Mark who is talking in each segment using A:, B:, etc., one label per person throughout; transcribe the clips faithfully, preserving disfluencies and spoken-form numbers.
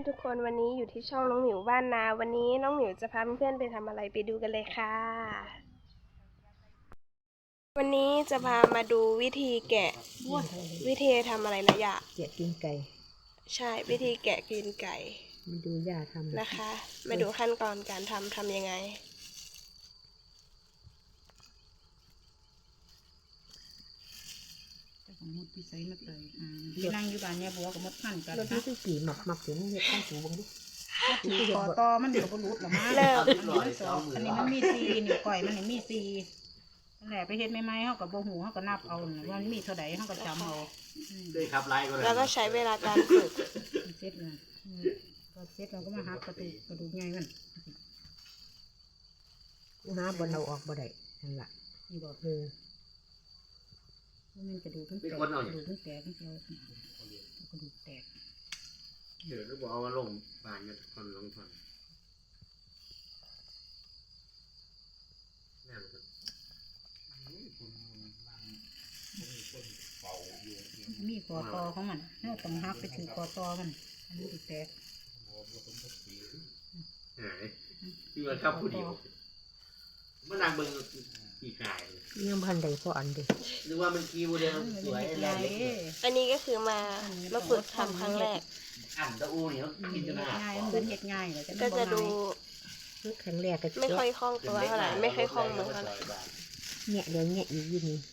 A: ทุกคนวันนี้อยู่ที่ช่องน้องหมิวบ้านนาวันนี้น้องหมิวจะพาเพื่อนๆไปทำอะไรไปดูกันเลยค่ะวันนี้จะพามาดูวิธีแกะวิธีทำอะไรนะยะ
B: แกะกินไก่
A: ใช่วิธีแกะกินไก่
B: มาดูย่าทำ
A: นะคะมาดูขั้นตอนการทำทำยังไง
C: มดที่ใส่มาเตยนั่งอยู่บ้านเนี่ยบัวกับมดพันกันนะ
B: แล้วที่กี่หมักหมักถึงเห็ดข้าวสูบงดิ
C: ต่อต่อมันเดี๋ยวก็รุดหรอมาอันนี้มันสองอันนี้มันมีซีนี่ก่อยมันนี่มีซีนั่นแหละไปเฮ็ดไม่ไม่เขากับโบหูเขาก็นับเอาว่ามันมีเท่าไหร่เขาก็จำเอา
D: ด้วยครับไล่ก็เลย
A: แล้วก็ใช้เวลาการฝึก
C: เซ็ตเลยก็เซ็ตเราก็มาหักกระดูกกระดูกใหญ่มัน
B: หาบนเราออกบ่ได้นั่นแหละ
C: นี่บอก
B: เออ
C: มันกระดูกมันแตกกระดูกมันแตกมันเจียวกระดูกแตก
D: เดี๋ยวเราบอกเอามาลงบานเนี่ยทอนลงทอน
C: มีคอตอของมันเราต้องหักไปถึงคอตอมันอันนี้แตก
D: หายที่มันเข้าผู้เดียวมันนางเบิ่งกี่ขาย
B: ยังพันใดพออันเดียว
D: หรือว่ามันกีโมเดลสวยอะไรเล็ก
A: อันนี้ก็คือมามาฝึกทำครั้งแรก
D: อันตะอูเนี่ย
C: กินจะง่ายมันเป็นเห็ดง่ายเลย
A: ก็จะดู
B: ครั้งแรกก็
A: ไม่ค่อยคล่องตัวเท่าไหร่ไม่ค่อยคล่องมือเท่าไหร่
B: เนี่ยเดี๋ยวเนี่ยอีกยี่นี่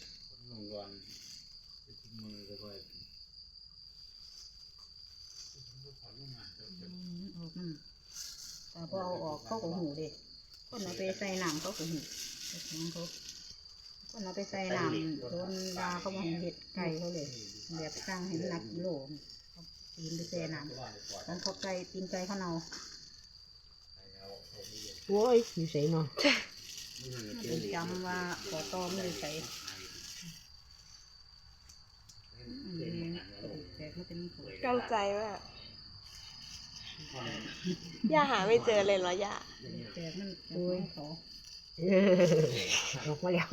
C: แต่พอเอาออกเขาก็หูเด็กคนเอาไปใส่หนังเขาก็หูน้องเขาคนเอาไปใส่หนังโดนดาเขามาเห็ดไก่เขาเลยแบบสร้างให้หนักโหลตีนไปใส่หนังต้องเขาไก่ตีนไก่เขาเนา
B: โว้ยอยู่ใส่เนาะ
C: จำว่าขอตอไม่ได้ใส่
A: ตั้งใจมากย่าหาไม่เจอเลยเหรอย่า
C: แตกมันโดยเขา
B: ออกมาแล้ว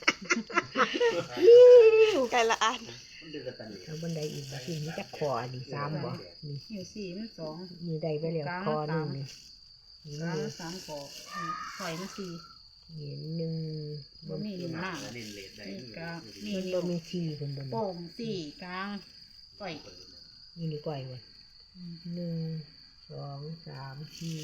A: ไก่ละอัน
B: เอาบันไดอีกสิ่งนี้จะคออันนี้สามบ่
C: นี่อยู่สี่มันสอง
B: มีได้ไปแล้วคอหนึ่งนี่
C: สามสามคอไข่มันสี่
B: นี่หนึ่ง
C: บ่มีหนึ่งหน้านี่กลางนี่
B: บ่มีสี่คนบน
C: โป่งสี่กลางก่อย
B: นี่นี่ก่อยวะหนึ่งสองสามสี่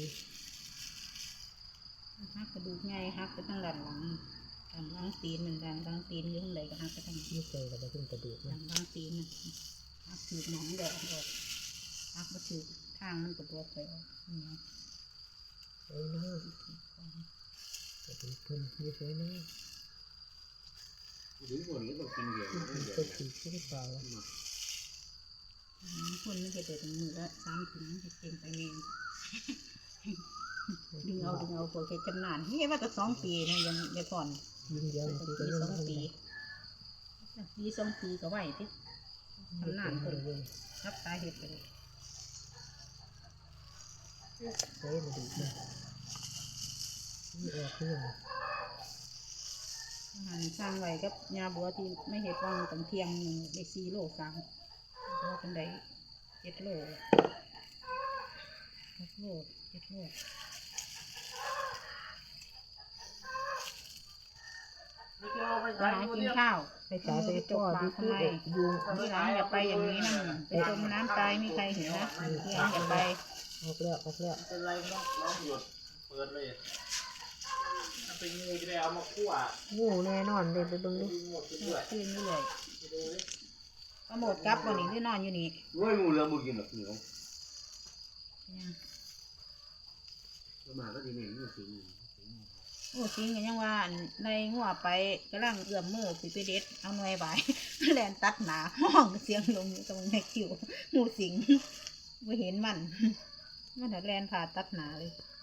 C: หักกระดูกไงหักไปตั้งด้านหลังด้านหลังตีนมันด้านหลังตีนอยู่ข้างในก็หักไปตั้ง
B: นี่เคยเราไปขึ้นกระดูก
C: ด้านหลังตีนหักถือหนองแดดออกหักมาถือทางมันกระตัวไปออกนี่นะ
B: เอ้ยนะกระดูกพื้นนี่สวยนะ
D: ดูบนนี้ต้องกินเยอะ
B: ก็ถือที่เปล่า
C: คนไม่เคยเปิดมือละสามถุงเก่งไปเองดึงเอาดึงเอาพวกแกจำนานนี่ว่าแต่สองปีนะยังยังผ่อน
B: ยิงเยอะ
C: ปีสองปีปีสองปีก็ไหวที่จำนานคนรับตาเห็ดไปเลย
B: ใช้มาดูนะนี่ออกเรื่อง
C: อาหารสร้างไว้กับยาบัวที่ไม่เห็ดว่างตั้งเที่ยงหนึ่งได้สี่โลสามโลเป็นได้เจ็ดโลหกโลเจ็ดโลอาหารกินข้าว
B: ไปจ่ายไปจอดที่ทำไม
C: ยุงที่ร้านอย่าไปอย่างนี้นะไปจมน้ำตายมีใครเห็นนะที่ร้านอย่าไป
B: ออกแล้วออกแล้ว
D: เป็นไรน้องน้องหยุดเปิดเลยถ้าเป็นงูจะได้เอามาคั่ว
B: งูแน่นอนเลยไปดูดิ
C: ตื่นอยู่เลยก็หมดกับวันนี้ที่นอนอยู่นี่
D: งูงูเรือบุกินหรอกเหนียวมาก็ดีเนี่ยงูสิง
C: โอ้สิงกันยังว่าในหัวไปกำลังเอื้อมมือไปเด็ดเอาหน่วยใบแลนตัดหนาห้องเสียงลงอยู่ตรงในคิวงูสิงไม่เห็นมันมันแลนผ่าตัดหนาเลย